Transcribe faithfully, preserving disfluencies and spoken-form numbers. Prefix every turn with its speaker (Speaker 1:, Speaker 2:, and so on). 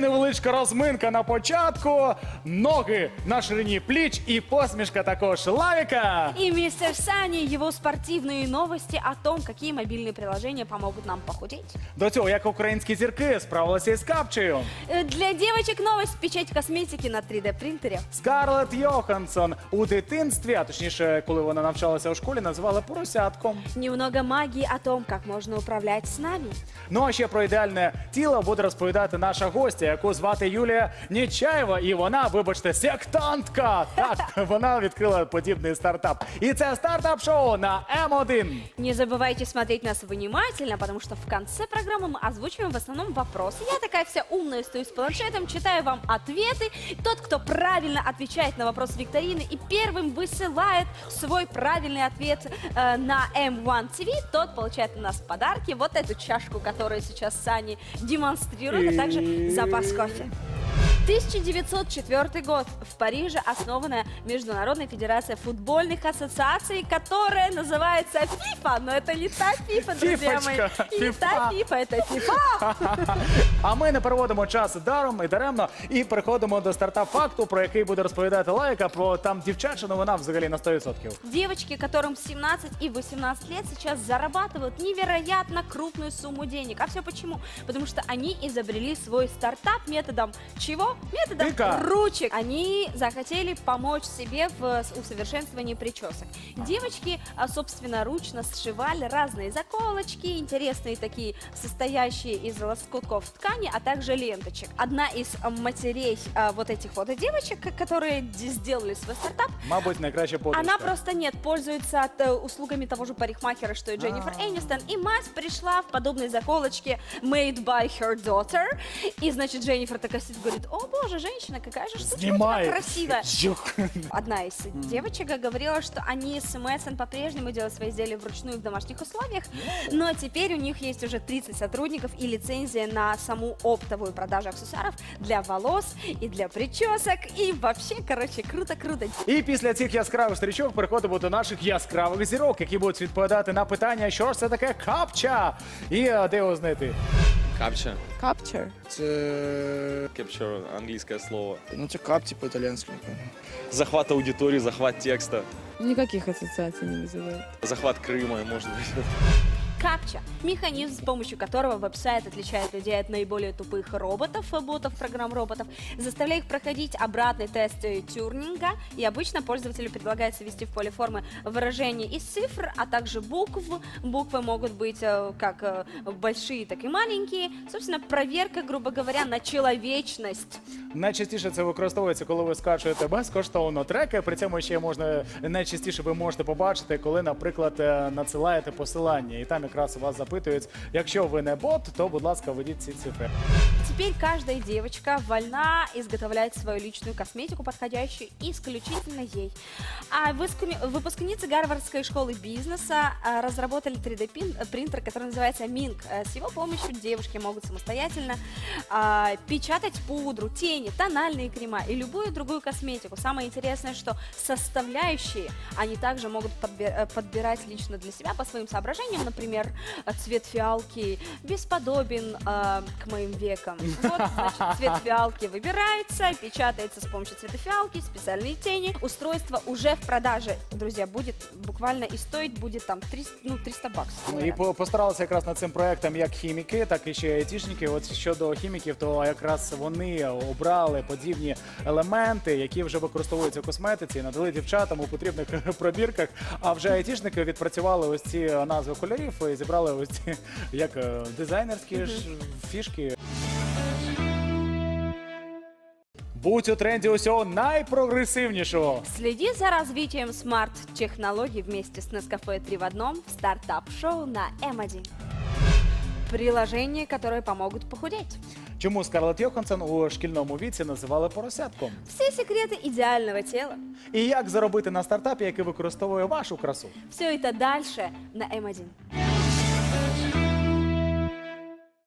Speaker 1: невеличка розминка на початку. Ноги на ширині пліч і посмішка також Лавіка.
Speaker 2: И мистер Сани, его спортивные новости о том, какие мобильные приложения помогут нам похудеть.
Speaker 1: До цього, як українські зірки справилися із капчею.
Speaker 2: Э, Для девочек новость: печать косметики на три дэ принтере.
Speaker 1: Скарлетт Йоханссон у дитинстві, а точніше, коли вона навчалася у школі, називали поросятком.
Speaker 2: Немного магии о том, как можно управлять с нами.
Speaker 1: Ну а ще про ідеальне тіло буде розповідати наша гостя, яку звати Юлія Нечаєва. І вона, вибачте, сектантка. Так, вона відкрила подібний стартап. І це стартап-шоу на М один.
Speaker 2: Не забывайте смотреть нас внимательно, потому что в конце программы мы озвучиваем в основном вопросы. Я такая вся умная стою с планшетом, читаю вам ответы. Тот, кто правильно отвечает на вопрос викторины и первым высылает свой правильный ответ э, на М один ти ви, тот получает у нас в подарки вот эту чашку, которую сейчас Сани демонстрирует, а также запас кофе. тысяча девятьсот четвёртый год. В Париже основана Международная федерация футбольных ассоциаций, которая называется ФИФА. Но это не та ФИФА, друзья мои.
Speaker 1: Фифочка,
Speaker 2: И не та ФИФА, это ФИФА.
Speaker 1: А ми не переводимо час даром і даремно і переходимо до стартап-факту, про який буде розповідати Лайка, про там дівчача новина взагалі на сто відсотків.
Speaker 2: Девочки, которым семнадцать и восемнадцать лет, сейчас зарабатывают невероятно крупную сумму денег. А все почему? Потому что они изобрели свой стартап методом чего? Методом
Speaker 1: Тыка.
Speaker 2: ручек. Они захотели помочь себе в усовершенствовании причесок. Девочки а, собственноручно сшивали разные заколочки, интересные такие, состоящие из лоскутков ткани, а также ленточек. Одна из а, матерей а, вот этих вот девочек, которые д- сделали свой стартап,
Speaker 1: Мабуть, найкраща подружка.
Speaker 2: она просто нет, пользуется от, э, услугами того же парикмахера, что и Дженнифер
Speaker 1: А.
Speaker 2: Энистон. И мать пришла в подобной заколочке made by her daughter. И, значит, Дженнифер такая сидит, говорит: о боже, женщина, какая же штучка у тебя
Speaker 1: Знімає.
Speaker 2: красивая.
Speaker 1: Жух.
Speaker 2: Одна из девочек говорила, что они с Мэдсон по-прежнему делают свои изделия вручную в домашних условиях, но теперь у них есть уже тридцать сотрудников и лицензия на саму оптовую продажу аксессуаров для волос и для причесок. И вообще, короче, круто-круто.
Speaker 1: І після цих яскравих стрічок переходимо до наших яскравих зірок, які будуть відповідати на питання, що ж це таке капча і е, де його знайти.
Speaker 3: Капча.
Speaker 4: Capture.
Speaker 3: Це Capture, англійське слово.
Speaker 4: Ну, це капці по-итальянски.
Speaker 3: Захват аудитории, захват текста,
Speaker 5: Никаких ассоциаций не вызывает.
Speaker 3: захват Крыма, может быть.
Speaker 2: Капча – механизм, с помощью которого веб-сайт отличает людей от наиболее тупых роботов, ботов, программ роботов, заставляя их проходить обратный тест э, Тюринга, и обычно пользователю предлагается ввести в поле формы выражения из цифр, а также букв. Буквы могут быть э, как э, большие, так и маленькие. Собственно, проверка, грубо говоря, на человечность.
Speaker 1: Найчастіше це використовується, коли ви скачуєте безкоштовно треки. При цьому ще можна найчастіше ви можете побачити, коли, наприклад, е, надсилаєте посилання, і там якраз вас запитують, якщо ви не бот, то, будь ласка, введіть ці цифри.
Speaker 2: Теперь каждая девочка вольна изготовлять свою личную косметику, подходящую исключительно ей. А выскуми- выпускницы Гарвардской школы бизнеса а, разработали три дэ пин- принтер, который называется Mink. Э, С его помощью девушки могут самостоятельно а, печатать пудру, тени, тональные крема и любую другую косметику. Самое интересное, что составляющие они также могут подбе- э, подбирать лично для себя по своим соображениям. Например, э, цвет фиалки бесподобен э, к моим векам. Вот, значит, цвет фиалки выбирается, печатается с помощью цвета фиалки, специальные тени. Устройство уже в продаже, друзья, будет буквально и стоить будет там триста, ну, триста баксов.
Speaker 1: І
Speaker 2: наверное.
Speaker 1: по- постаралися якраз над цим проектом як хіміки, так і ще айтішники. От щодо хіміків, то якраз вони обрали подібні елементи, які вже використовуються в косметиці, і надали дівчатам у потрібних пробірках. А вже айтішники відпрацювали ось ці назви кольорів і зібрали ось ці як е, дизайнерські ж фішки. Будь у тренді усього найпрогресивнішого.
Speaker 2: Следи за развитием смарт-технологий вместе с Nescafe три в одном в стартап-шоу на М один. Приложения, которые помогут похудеть.
Speaker 1: Чому Скарлетт Йоханссон у шкільному віці називали поросятком?
Speaker 2: Все секреты идеального тела.
Speaker 1: І як заробити на стартапі, який використовує вашу красу?
Speaker 2: Все это дальше на М один.